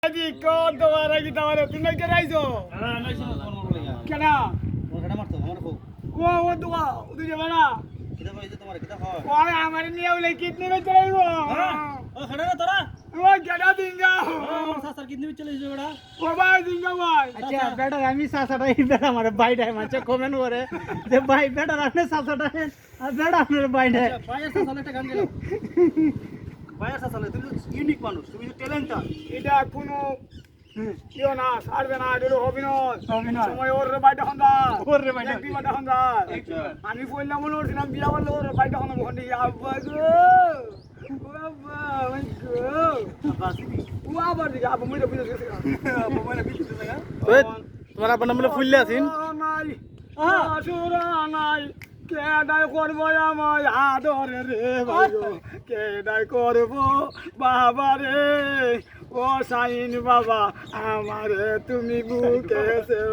আজি কোন তোমার কি তোমার তুমি কে রাইছো হ্যাঁ নাইছো কোন মরলে কেন ও ঘাড়া মারতো আমার কো ও দুয়া তুই যাবে না কিটা কইছে তোমার কিটা হয় ওই আমার নিয়ে বলে কিডনি রে চলাইবো ও ঘাড়া না তোরা ও গড়া দিঙ্গা আমার সাসার কিডনি চলে যাবে ওড়া ও ভাই দিঙ্গা ভাই আচ্ছা বেটা আমি সাসাটাই বেটা আমার বাইটাই মাঝে কমেন্ট করে যে ভাই বেটা রাখলে সাসাটাই আর বেটা আমার বাইটাই আচ্ছা পায়ের সাসালে একটা গান গেল পায়ের সাসালে তুমি তো ইউনিক মানুষ তুমি তো ট্যালেন্টটা এটা কোনো কেউ না ছাড়বে না এটা অভিনয় অভিনয়। সময় ওর বাইটা হন্দা ওর রে বাইটা। একটি বাইটা হন্দা আচ্ছা। আমি বললাম বলে উঠছিলাম বিয়া বললে ওর বাইটা হন্দা ওখান থেকে আব্বা গো ও আব্বা ওই গো ও আবার দিকে আব্বা মুইটা বুঝে গেছে আব্বা মুইটা বুঝে গেছে তোমার আপনার নামে ফুললে আছেন নাই আসুরা নাই কেডাই করবো আমায় আদরে রে ভাই কেডাই করবো বাবা রে ও সাইন বাবা আমারে তুমি বুকে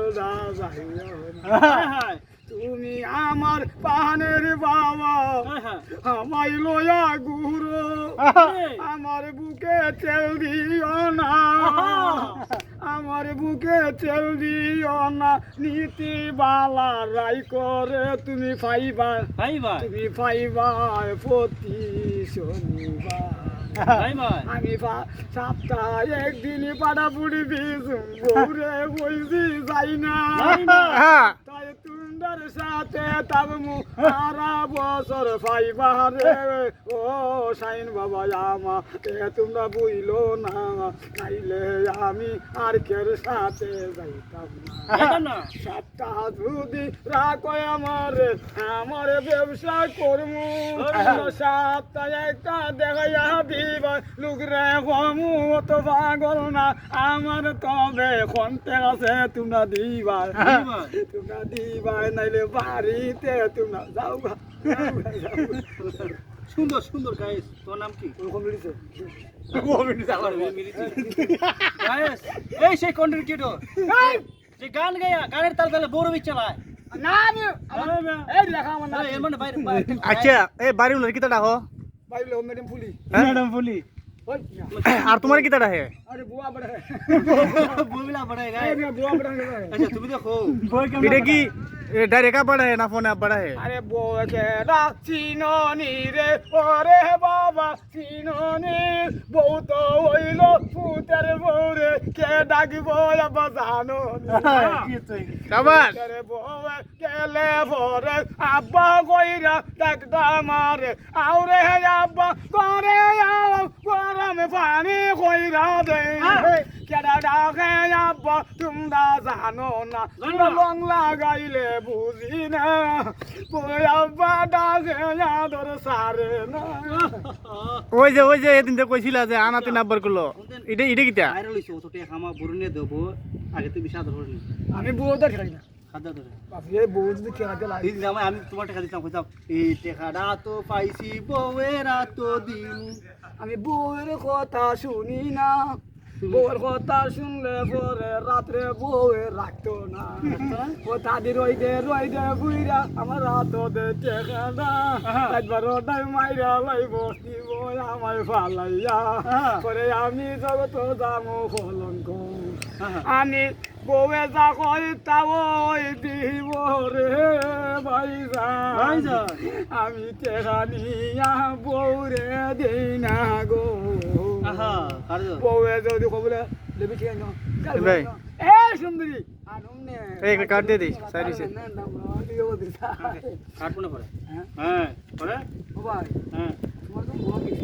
তুমি আমার পানের বাবা আমায় লয়া গুরু আমার বুকে তেল দিও না আমার বুকে তেল দিও না নীতি বালা রাই করে তুমি পাইবা ভাই ভাই তুমি পাইবা প্রতি শনিবার ভাই ভাই আমি সপ্তাহে একদিন পাড়া পুড়ি দিয়েছুম বউরে বলছি যাই না তাই তুন্ডার সাথে তাবমু সারা বছর পাইবা রে ও সাইন বাবা আমা তোমরা বুঝলো না নাইলে আমি আর কের সাথে যাইতাম যাইতাম না না সপ্তাহ যদি রাখো আমার ব্যবসা করমু সপ্তাহে একটা দেখাইয়া দিবা লুকরে কমু তো পাগল না আমার তবে খন্তে আছে তোমরা দিবা তোমরা দিবা নাইলে বাড়িতে তোমরা যাও সুন্দর সুন্দর গাইস তোর নাম কি কমিটিছে গাইস এই সেই কন্টেন্ট ক্রিয়েটর যে গান গায়া গানের তাল তালে বড় বিচ চালায় না আমি এই লেখা আমার না এর মানে বাইরে আচ্ছা এই বাড়ি উনার কিতা ডাকো বাইরে ম্যাডাম ফুলি ম্যাডাম ফুলি ওই আর তোমার কিতা ডাকে আরে বুয়া বড় বলবিলা বড় গায় এই বুয়া বড় আচ্ছা তুমি দেখো এটা কি ডাইরেক্ট পড়ায় না ফোনে পড়ায় আরে বউকে ডাক চিননি রে ওরে বাবা চিননি বউ তো হইল পুতের বউ রে কে ডাকবো আবা জানো কাবার রে বউ কেলে ভরে আব্বা কইরা ডাকদা মারে আউরে আব্বা করে গরম পানি কইরা দে কেডা ডাকে আব্বা তোমরা জানো না লং লাগাইলে বুঝি না আব্বা ডাকে আদর সারে না ওই যে এদিন তো কইছিলা যে আনাতে নাম্বার করলো এটা এটা কিতা ভাইরাল হইছে ও তো টেকা মা বরুনে দেব আগে তুমি সাদা ধরনি আমি বউটা খেলাই না খাদা ধরে বাপরে এই বউ যদি খেলাতে লাগে দিন জামাই আমি তোমার টাকা দিতাম কইতাম এই টাকাটা তো পাইছি বউয়েরা তো দিন আমি বউয়ের কথা শুনি না বউয়ের কথা শুনলে পরে রাত্রে বউয়ে রাখতো না ও দাদি রই দে বুইরা আমার রাত দে টেকা না একবার ওটাই মাইরা লাইব দিব আমায় ফালাইয়া পরে আমি জগত যামো কলঙ্ক আমি বউয়ে যা কই তা ওই দিব রে ভাইজা আমি টেকা নিয়া বউরে দেই না গো আহা আর বউয়ে যদি কবলে লেবি ঠিক না ভাই। এ সুন্দরী আনুমনে এই একটা কার্ড দিয়ে দিস সাইরিসে কাটবো না পরে হ্যাঁ পরে ও ভাই হ্যাঁ তোমার তো বউ